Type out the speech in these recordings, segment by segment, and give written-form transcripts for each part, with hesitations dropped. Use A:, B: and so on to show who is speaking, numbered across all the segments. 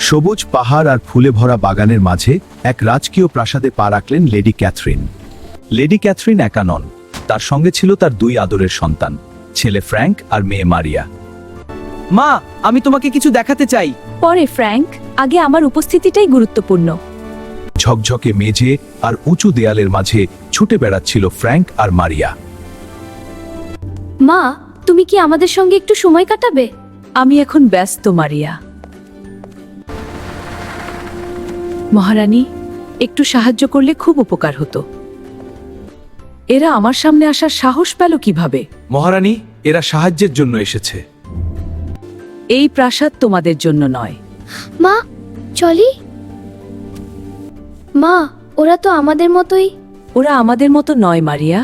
A: সবুজ পাহাড় আর ফুলে ভরা বাগানের মাঝে এক রাজকীয় প্রাসাদে পা রাখলেন লেডি ক্যাথরিন। লেডি ক্যাথরিন একা নন, তার সঙ্গে ছিল তার দুই আদরের সন্তান, ছেলে ফ্র্যাঙ্ক আর মেয়ে মারিয়া।
B: মা, আমি তোমাকে কিছু দেখাতে চাই।
C: পরে ফ্র্যাঙ্ক, আগে আমার উপস্থিতিটাই গুরুত্বপূর্ণ।
A: ঝকঝকে মেঝে আর উঁচু দেয়ালের মাঝে ছুটে বেড়াচ্ছিল ফ্র্যাঙ্ক আর মারিয়া।
C: মা, তুমি কি আমাদের সঙ্গে একটু সময় কাটাবে?
D: আমি এখন ব্যস্ত মারিয়া। মহারানী, একটু সাহায্য করলে খুব উপকার হতো। এরা আমার সামনে আসার সাহস পেল কিভাবে?
A: মহারানী, এরা সাহায্যের জন্য এসেছে।
D: এই প্রাসাদ তোমাদের জন্য নয়।
C: মা, চলি। মা, ওরা তো আমাদের মতোই।
D: ওরা আমাদের মতো নয় মারিয়া।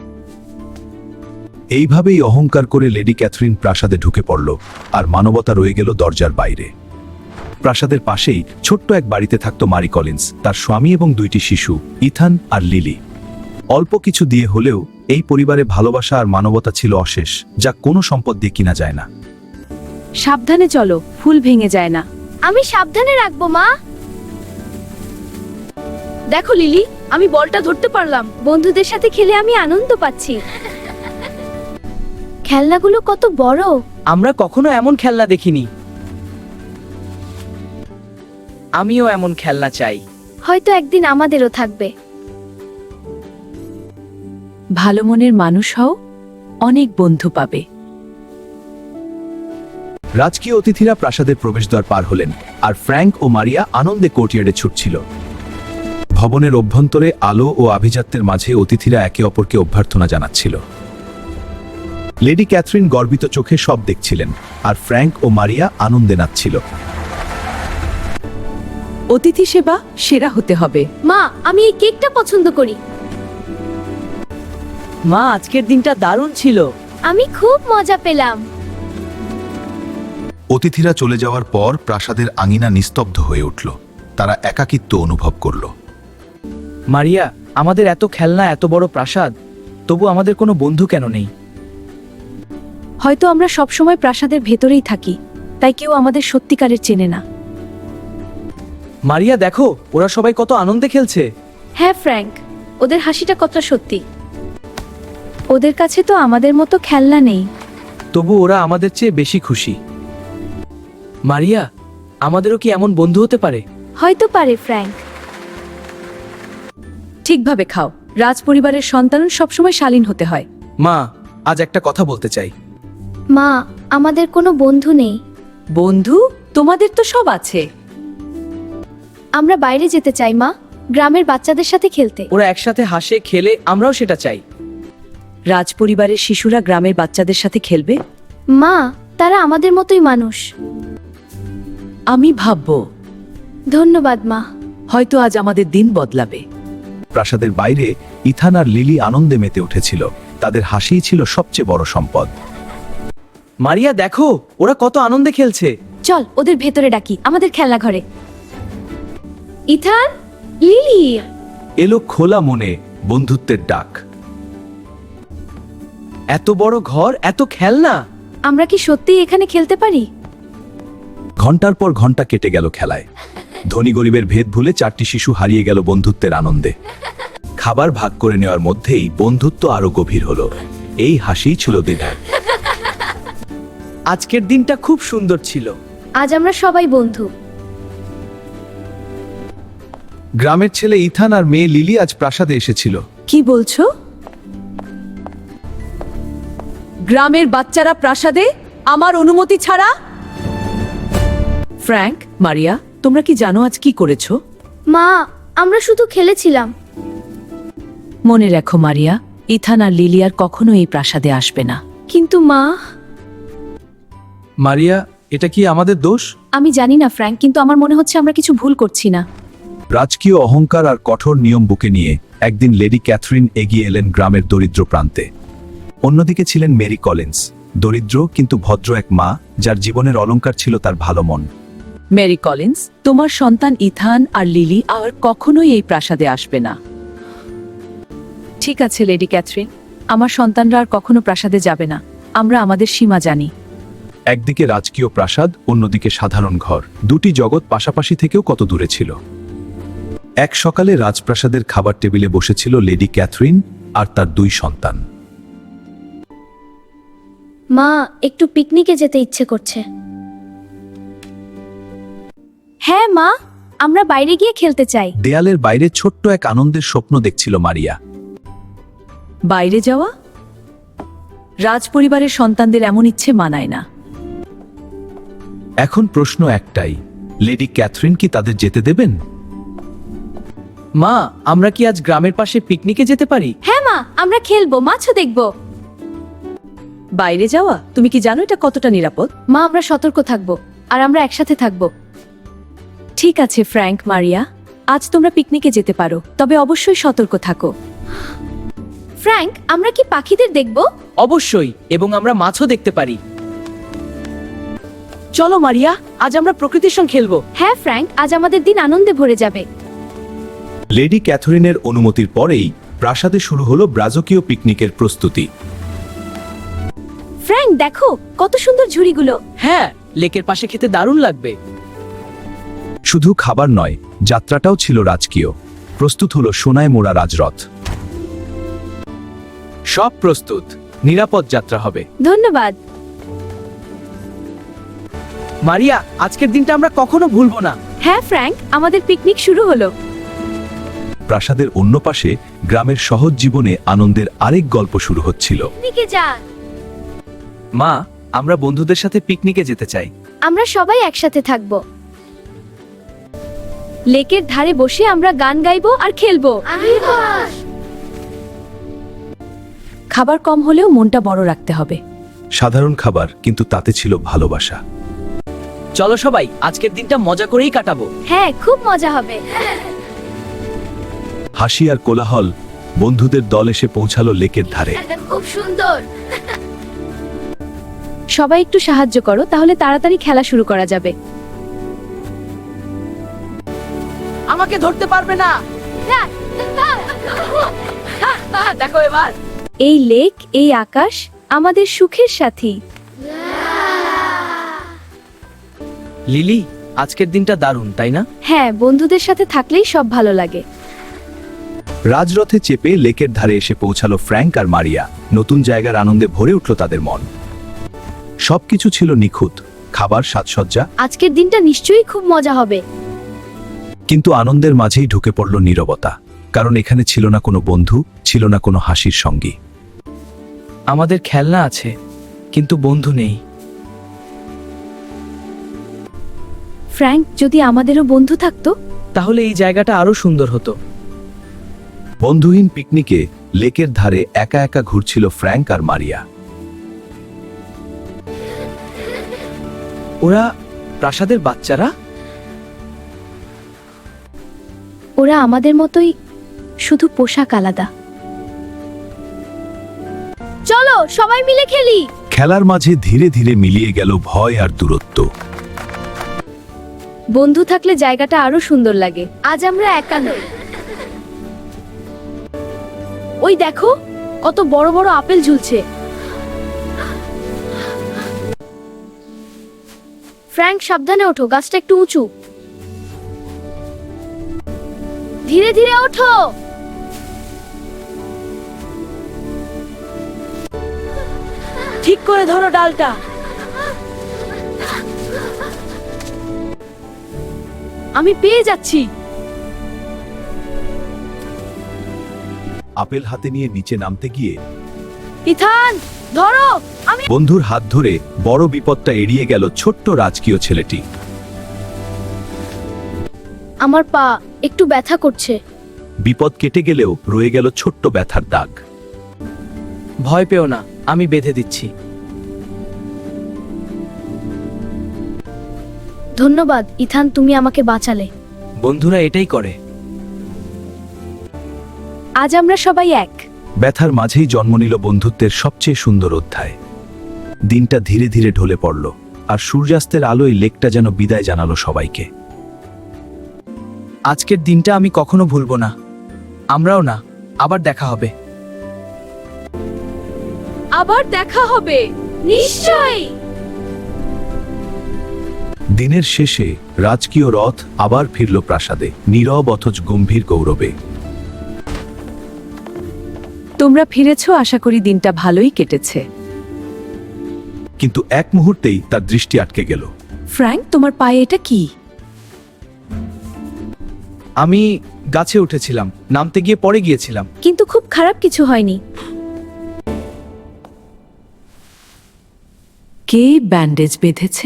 A: এইভাবেই অহংকার করে লেডি ক্যাথরিন প্রাসাদে ঢুকে পড়ল, আর মানবতা রয়ে গেল দরজার বাইরে। প্রাসাদের পাশেই ছোট্ট এক বাড়িতে থাকত মারি কলিন্স, তার স্বামী এবং দুইটি শিশু, ইথান আর লিলি। অল্প কিছু দিয়ে হলেও এই পরিবারে ভালোবাসা আর মানবতা ছিল অশেষ, যা কোনো সম্পদ দিয়ে কিনা যায় না।
D: সাবধানে চলো, ফুল ভেঙে যায় না।
C: আমি সাবধানে রাখবো মা। দেখো লিলি, আমি বলটা ধরতে পারলাম। বন্ধুদের সাথে খেলে আমি আনন্দ পাচ্ছি। খেলনাগুলো কত বড়।
B: আমরা কখনো এমন খেলনা দেখিনি। আমিও এমন খেলনা চাই।
C: হয়তো একদিন আমাদেরও থাকবে।
D: ভালো মনের মানুষ হও, অনেক বন্ধু পাবে।
A: রাজকীয় অতিথিরা প্রাসাদের প্রবেশদ্বার পার হলেন, আর ফ্র্যাঙ্ক ও মারিয়া আনন্দে কোর্টইয়ার্ডে ছুটছিল। ভবনের অভ্যন্তরে আলো ও আভিজাত্যের মাঝে অতিথিরা একে অপরকে অভ্যর্থনা জানাচ্ছিল। লেডি ক্যাথরিন গর্বিত চোখে সব দেখছিলেন, আর ফ্র্যাঙ্ক ও মারিয়া আনন্দে নাচছিল।
D: অতিথি সেবা সেরা হতে হবে।
C: মা, আমি এই কেকটা পছন্দ করি।
B: মা, আজকের দিনটা দারুণ ছিল।
C: আমি খুব মজা পেলাম।
A: অতিথিরা চলে যাওয়ার পর প্রাসাদের আঙিনা নিস্তব্ধ হয়ে উঠল। তারা একাকিত্ব অনুভব করল।
B: মারিয়া, আমাদের এত খেলনা, এত বড় প্রাসাদ, তবু আমাদের কোনো বন্ধু কেন নেই?
D: হয়তো আমরা সবসময় প্রাসাদের ভেতরেই থাকি, তাই কেউ আমাদের সত্যিকারের চেনে না।
B: মারিয়া, দেখো, ওরা সবাই কত আনন্দে খেলছে।
C: হ্যাঁ ফ্র্যাঙ্ক, ওদের হাসিটা কতটা সত্যি। ওদের কাছে তো আমাদের মতো খেলনা নেই।
B: তবু ওরা আমাদের চেয়ে বেশি খুশি। মারিয়া, আমাদেরও কি এমন বন্ধু হতে পারে?
C: হয়তো পারে ফ্র্যাঙ্ক।
D: ঠিকভাবে খাও। রাজপরিবারের সন্তান সবসময় শালীন হতে হয়।
B: মা, আজ একটা কথা বলতে চাই।
C: মা, আমাদের কোনো বন্ধু নেই।
D: বন্ধু? তোমাদের তো সব আছে।
C: আমরা বাইরে যেতে চাই মা, গ্রামের বাচ্চাদের সাথে খেলতে।
B: ওরা একসাথে হাসে, খেলে, আমরাও সেটা চাই।
D: রাজপরিবারের শিশুরা গ্রামের বাচ্চাদের সাথে খেলবে?
C: মা, তারা আমাদের মতোই মানুষ।
D: আমি ভাববো।
C: ধন্যবাদ মা।
D: হয়তো আজ আমাদের দিন বদলাবে।
A: প্রাসাদের বাইরে ইথান আর লিলি আনন্দে মেতে উঠেছিল। তাদের হাসিই ছিল সবচেয়ে বড় সম্পদ।
B: মারিয়া, দেখো, ওরা কত আনন্দে খেলছে।
C: চল ওদের ভেতরে ডাকি, আমাদের খেলনা ঘরে। Ethan, Lily.
A: এলো খোলা মনে বন্ধুত্বের ডাক।
B: এত বড় ঘর, এত খেলনা।
C: আমরা কি সত্যিই এখানে খেলতে পারি?
A: ঘন্টার পর ঘন্টা কেটে গেল খেলায়। ধনী গরিবের ভেদ ভুলে চারটি শিশু হারিয়ে গেল বন্ধুত্বের আনন্দে। খাবার ভাগ করে নেওয়ার মধ্যেই বন্ধুত্ব আরো গভীর হলো। এই হাসিই ছিল দিনের।
B: আজকের দিনটা খুব সুন্দর ছিল।
C: আজ আমরা সবাই বন্ধু।
A: গ্রামের ছেলে ইথান আর মেয়ে লিলি আজ প্রাসাদে এসেছিল।
D: কি বলছো? গ্রামের বাচ্চারা প্রাসাদে আমার অনুমতি ছাড়া? ফ্র্যাঙ্ক, মারিয়া, তোমরা কি জানো আজ কি করেছো?
C: মা, আমরা শুধু খেলেছিলাম।
D: মনে রেখো মারিয়া, ইথান আর লিলি আর কখনো এই প্রাসাদে আসবে না।
C: কিন্তু মা।
A: মারিয়া, এটা কি আমাদের দোষ?
C: আমি জানি না ফ্র্যাঙ্ক, কিন্তু আমার মনে হচ্ছে আমরা কিছু ভুল করছি না।
A: রাজকীয় অহংকার আর কঠোর নিয়ম বুকে নিয়ে একদিন লেডি ক্যাথরিন এগিয়ে এলেন গ্রামের দরিদ্র প্রান্তে। অন্যদিকে ছিলেন মেরি কলিন্স, দরিদ্র কিন্তু ভদ্র এক মা, যার জীবনের অলংকার ছিল তার ভালো মন।
D: মেরি কলিন্স, তোমার সন্তান ইথান আর লিলি আর কখনোই এই প্রাসাদে আসবে না। ঠিক আছে লেডি ক্যাথরিন, আমার সন্তানরা আর কখনো প্রাসাদে যাবে না। আমরা আমাদের সীমা জানি।
A: একদিকে রাজকীয় প্রাসাদ, অন্যদিকে সাধারণ ঘর। দুটি জগৎ পাশাপাশি থেকেও কত দূরে ছিল। এক সকালে রাজপ্রাসাদের খাবার টেবিলে বসেছিল লেডি ক্যাথরিন আর তার দুই সন্তান।
C: মা, একটু পিকনিকে যেতে ইচ্ছে করছে। হ্যাঁ মা, আমরা বাইরে গিয়ে খেলতে চাই।
A: দেয়ালের বাইরে ছোট্ট এক আনন্দের স্বপ্ন দেখছিল মারিয়া।
D: বাইরে যাওয়া? রাজপরিবারের সন্তানদের এমন ইচ্ছে মানায় না।
A: এখন প্রশ্ন একটাই, লেডি ক্যাথরিন কি তাদের যেতে দেবেন?
B: মা, আমরা কি আজ গ্রামের পাশে পিকনিকে যেতে পারি?
C: হ্যাঁ মা, আমরা খেলবো, মাছও দেখবো।
D: বাইরে যাওয়া? তুমি কি জানো এটা কতটা নিরাপদ?
C: মা, আমরা সতর্ক থাকবো আর আমরা একসাথে থাকবো।
D: ঠিক আছে ফ্র্যাঙ্ক, মারিয়া, আজ তোমরা পিকনিকে যেতে পারো, তবে অবশ্যই সতর্ক থাকো।
C: ফ্র্যাঙ্ক, আমরা কি পাখিদের দেখবো?
B: অবশ্যই, এবং আমরা মাছও দেখতে পারি। চলো মারিয়া, আজ আমরা প্রকৃতির সঙ্গে খেলবো।
C: হ্যাঁ ফ্র্যাঙ্ক, আজ আমাদের দিন আনন্দে ভরে যাবে।
A: লেডি ক্যাথরিনের অনুমতির পরেই প্রাসাদে শুরু হলো ব্রাজকীয় পিকনিকের প্রস্তুতি।
C: ফ্র্যাঙ্ক, দেখো কত সুন্দর ঝুড়িগুলো।
B: হ্যাঁ, লেকের পাশে খেতে দারুণ লাগবে।
A: শুধু খাবার নয়, যাত্রাটাও ছিল রাজকীয়। প্রস্তুত হলো সোনায় মোড়া রাজরথ।
B: সব প্রস্তুত, নিরাপদ যাত্রা হবে।
C: ধন্যবাদ।
B: মারিয়া, আজকের দিনটা আমরা কখনো ভুলবো না।
C: হ্যাঁ ফ্র্যাঙ্ক, আমাদের পিকনিক শুরু হলো।
A: প্রাসাদের অন্য পাশে গ্রামের সহজ জীবনে আনন্দের আরেক গল্প শুরু হচ্ছিল।
C: পিকনিকে যা।
B: মা, আমরা বন্ধুদের সাথে পিকনিকে যেতে চাই।
C: আমরা সবাই একসাথে থাকবো। লেকের ধারে বসে আমরা গান গাইবো আর খেলবো।
D: খাবার কম হলেও মনটা বড় রাখতে হবে।
A: সাধারণ খাবার, কিন্তু তাতে ছিল ভালোবাসা।
B: চলো সবাই, আজকের দিনটা মজা করেই কাটাবো।
C: হ্যাঁ, খুব মজা হবে।
A: হাসি আর কোলাহল, বন্ধুদের দল এসে পৌঁছালো লেকের ধারে।
C: খুব সুন্দর। সবাই একটু সাহায্য করো, তাহলে তাড়াতাড়ি খেলা শুরু করা যাবে।
B: আমাকে ধরতে পারবে না। দেখো এবার।
C: এই লেক, এই আকাশ আমাদের সুখের সাথী।
B: লিলি, আজকের দিনটা দারুণ, তাই না?
C: হ্যাঁ, বন্ধুদের সাথে থাকলেই সব ভালো লাগে।
A: রাজরথে চেপে লেকের ধারে এসে পৌঁছালো ফ্র্যাঙ্ক আর মারিয়া। নতুন জায়গার আনন্দে ভরে উঠল তাদের মন। সবকিছু ছিল নিখুঁত, খাবার, সাজসজ্জা,
C: আজকের দিনটা নিশ্চয়ই খুব মজা হবে।
A: কিন্তু আনন্দের মাঝেই ঢুকে পড়ল নীরবতা। কারণ এখানে ছিল না কোনো বন্ধু, ছিল না কোনো হাসির সঙ্গী।
B: আমাদের খেলনা আছে, কিন্তু বন্ধু নেই।
C: ফ্র্যাঙ্ক, যদি আমাদেরও বন্ধু থাকতো।
B: তাহলে এই জায়গাটা আরো সুন্দর হতো।
A: বন্ধুহীন পিকনিকে লেকের ধারে একা একা ঘুরছিল ফ্র্যাঙ্ক আর মারিয়া।
B: ওরা প্রাসাদের বাচ্চারা?
C: ওরা আমাদের মতোই, শুধু পোশাক আলাদা। চলো সবাই মিলে খেলি।
A: খেলার মাঝে ধীরে ধীরে মিলিয়ে গেল ভয় আর দূরত্ব।
C: বন্ধু থাকলে জায়গাটা আরো সুন্দর লাগে। আজ আমরা একা নই। ওই দেখো, কত বড় বড় আপেল ঝুলছে। ফ্র্যাঙ্ক, সাবধানে ওঠো, গাছটা একটু উঁচু। ধীরে ধীরে ওঠো।
D: ঠিক করে ধরো ডালটা।
C: আমি পেয়ে যাচ্ছি।
A: আপেল হাতে নিয়ে নিচে নামতে গিয়ে
C: ইথান, ধরো। আমি
A: বন্ধুর হাত ধরে বড় বিপদটা এড়িয়ে গেল ছোট্ট রাজকীয় ছেলেটি।
C: আমার পা একটু ব্যথা করছে।
A: বিপদ কেটে গেলেও রয়ে গেল ছোট্ট ব্যথার দাগ।
B: ভয় পেও না, আমি বেঁধে দিচ্ছি।
C: ধন্যবাদ ইথান, তুমি আমাকে বাঁচালে।
B: বন্ধুরা এটাই করে।
C: আজ আমরা সবাই এক।
A: ব্যথার মাঝেই জন্ম নিল বন্ধুত্বের সবচেয়ে সুন্দর অধ্যায়। দিনটা ধীরে ধীরে ঢলে পড়ল, আর সূর্যাস্তের আলোয় লেকটা যেন বিদায় জানালো সবাইকে।
B: আজকের দিনটা আমি কখনো ভুলবো না। আমরাও না। আবার দেখা হবে।
D: আবার দেখা হবে।
C: নিশ্চয়ই।
A: দিনের শেষে রাজকীয় রথ আবার ফিরল প্রাসাদে, নীরব অথচ গম্ভীর গৌরবে।
D: তোমরা ফিরেছ, আশা করি দিনটা ভালোই কেটেছে।
A: কিন্তু এক মুহূর্তেই তার দৃষ্টি আটকে গেল।
D: ফ্র্যাঙ্ক, তোমার পায়ে এটা কি?
B: আমি গাছে উঠেছিলাম, নামতে গিয়ে পড়ে গিয়েছিলাম।
C: কিন্তু খুব খারাপ কিছু হয়নি।
D: কে ব্যান্ডেজ বেঁধেছে?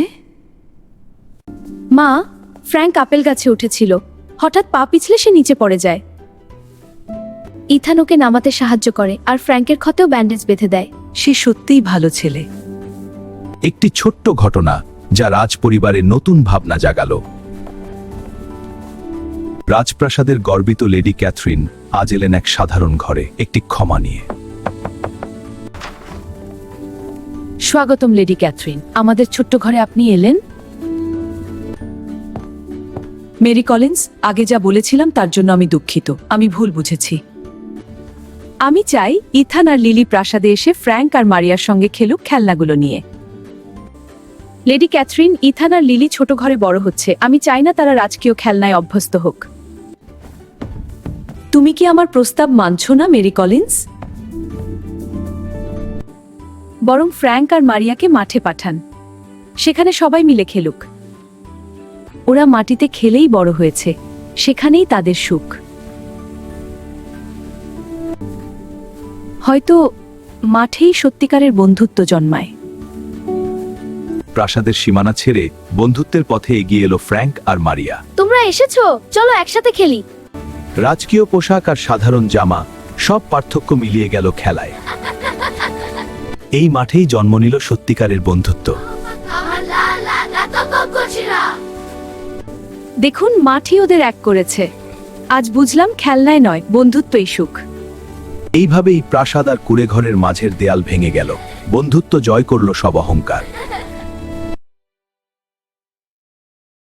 C: মা, ফ্র্যাঙ্ক আপেল গাছে উঠেছিল, হঠাৎ পা পিছলে সে নিচে পড়ে যায়। ইথান ওকে নামাতে সাহায্য করে আর ফ্র্যাঙ্কের ক্ষতেও ব্যান্ডেজ বেঁধে দেয়।
D: সে সত্যিই ভালো ছেলে।
A: একটি ছোট্ট ঘটনা যা রাজপরিবারে নতুন ভাবনা জাগালো। রাজপ্রাসাদের গর্বিত লেডি ক্যাথরিন আজ এলেন এক সাধারণ ঘরে, একটি ক্ষমা নিয়ে।
D: স্বাগতম লেডি ক্যাথরিন, আমাদের ছোট্ট ঘরে আপনি এলেন। মেরি কলিন্স, আগে যা বলেছিলাম তার জন্য আমি দুঃখিত, আমি ভুল বুঝেছি। আমি চাই ইথান আর লিলি প্রাসাদে এসে ফ্র্যাঙ্ক আর মারিয়ার সঙ্গে খেলুক খেলনাগুলো নিয়ে।
C: লেডি ক্যাথরিন, ইথান আর লিলি ছোট ঘরে বড় হচ্ছে, আমি চাই না তারা রাজকীয় খেলনায় অভ্যস্ত হোক।
D: তুমি কি আমার প্রস্তাব মানছো না মেরি কলিন্স?
C: বরং ফ্র্যাঙ্ক আর মারিয়াকে মাঠে পাঠান, সেখানে সবাই মিলে খেলুক। ওরা মাটিতে খেলেই বড় হয়েছে, সেখানেই তাদের সুখ। হয়তো মাঠেই সত্যিকারের বন্ধুত্ব জন্মায়।
A: প্রাসাদের সীমানা ছেড়ে বন্ধুত্বের পথে এগিয়ে এলো ফ্র্যাঙ্ক আর মারিয়া।
C: তোমরা এসেছো, চলো একসাথে খেলি।
A: রাজকীয় পোশাক আর সাধারণ জামা, সব পার্থক্য মিলিয়ে গেল খেলায়। এই মাঠেই জন্ম নিল সত্যিকারের বন্ধুত্ব।
C: দেখুন, মাঠই ওদের এক করেছে। আজ বুঝলাম খেলনায় নয়, বন্ধুত্বই সুখ।
A: এইভাবেই প্রাসাদ আর কুঁড়েঘরের মাঝের দেয়াল ভেঙে গেল, বন্ধুত্ব জয় করল সব অহংকার।